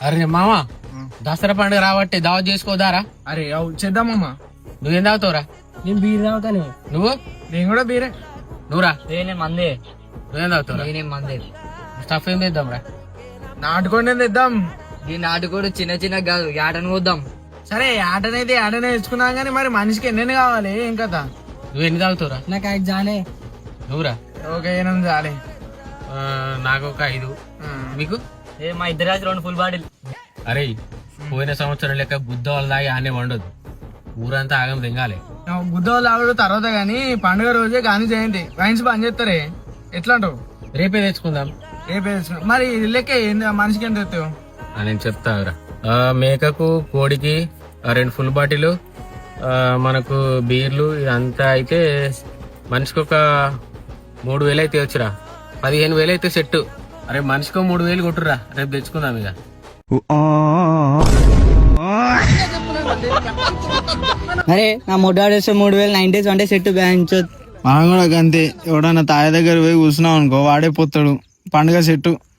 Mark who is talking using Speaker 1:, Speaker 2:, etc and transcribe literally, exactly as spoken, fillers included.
Speaker 1: అరే మామ దసరా పండుగ రాబట్టి దావత్ చేసుకోదారా?
Speaker 2: అరే అవు చేద్దామమ్మా.
Speaker 1: నువ్వేం తాగుతావురా?
Speaker 3: నేను బీర్ తాగుతాను.
Speaker 1: నువ్వు?
Speaker 2: నేను కూడా బీరే.
Speaker 1: నువ్వురా?
Speaker 3: నేను మందే.
Speaker 1: నువ్వేం తాగుతావురా?
Speaker 3: నేనేం మందే.
Speaker 1: స్టఫ్ ఏం తెద్దాంరా?
Speaker 2: నాటుకోండి తెద్దాం.
Speaker 3: ఈ నాటుకోడు చిన్న చిన్న కాదు, యాటను పోద్దాం.
Speaker 2: సరే ఆటనైతే ఆటనే తెచ్చుకున్నాం కానీ మరి మనిషికి ఎన్నెన్ని కావాలి ఏం కదా?
Speaker 1: నువ్వు ఎన్ని తాగుతావురా?
Speaker 3: నాకు ఐదు జాలే.
Speaker 1: నువ్వురా?
Speaker 2: ఒక ఎనిమిది చాలే.
Speaker 1: ఆ, నాకు ఒక ఐదు. మీకు?
Speaker 3: ఏ మా ఇద్దరు రాజు రెండు ఫుల్ బాటిల్.
Speaker 1: అరే పోయిన సంవత్సరం లెక్క బుద్ధ వాళ్ళ దాగి ఆనే వండదు, ఊరంతా ఆగం దింగాలి.
Speaker 2: బుద్ధవాళ్ళు ఆవిడ తర్వాత గాని పండుగ రోజే గాని చేయండి. వైన్స్ బంద్ చేస్తారే ఎట్లా అంటావు?
Speaker 1: రేపే తెచ్చుకుందాం.
Speaker 2: రేపే తెచ్చుకున్నాం. మరి లెక్క ఏంది మనిషికి ఎంత తెస్తావు?
Speaker 1: ఆ, నేను చెప్తావురా. ఆ, మేకకు కోడికి ఆ, రెండు ఫుల్ బాటిల్, మనకు బీర్లు ఇదంతా అయితే మనిషికి ఒక మూడు వేలు అయితే వచ్చురా. పదిహేను వేలు అయితే సెట్. అరే మనిషికి మూడు వేలు కొట్టురా, రేపు తెచ్చుకుందాం ఇక.
Speaker 3: అరే నా మొడ్డాడు వేస్తే మూడు వేలు నైన్ డేస్ అంటే సెట్ బ్యాంచ్.
Speaker 2: మనం కూడా అంతే. ఎవడన్నా తాయ దగ్గర పోయి కూర్చున్నాం అనుకో వాడే పోతాడు. పండుగ సెట్టు.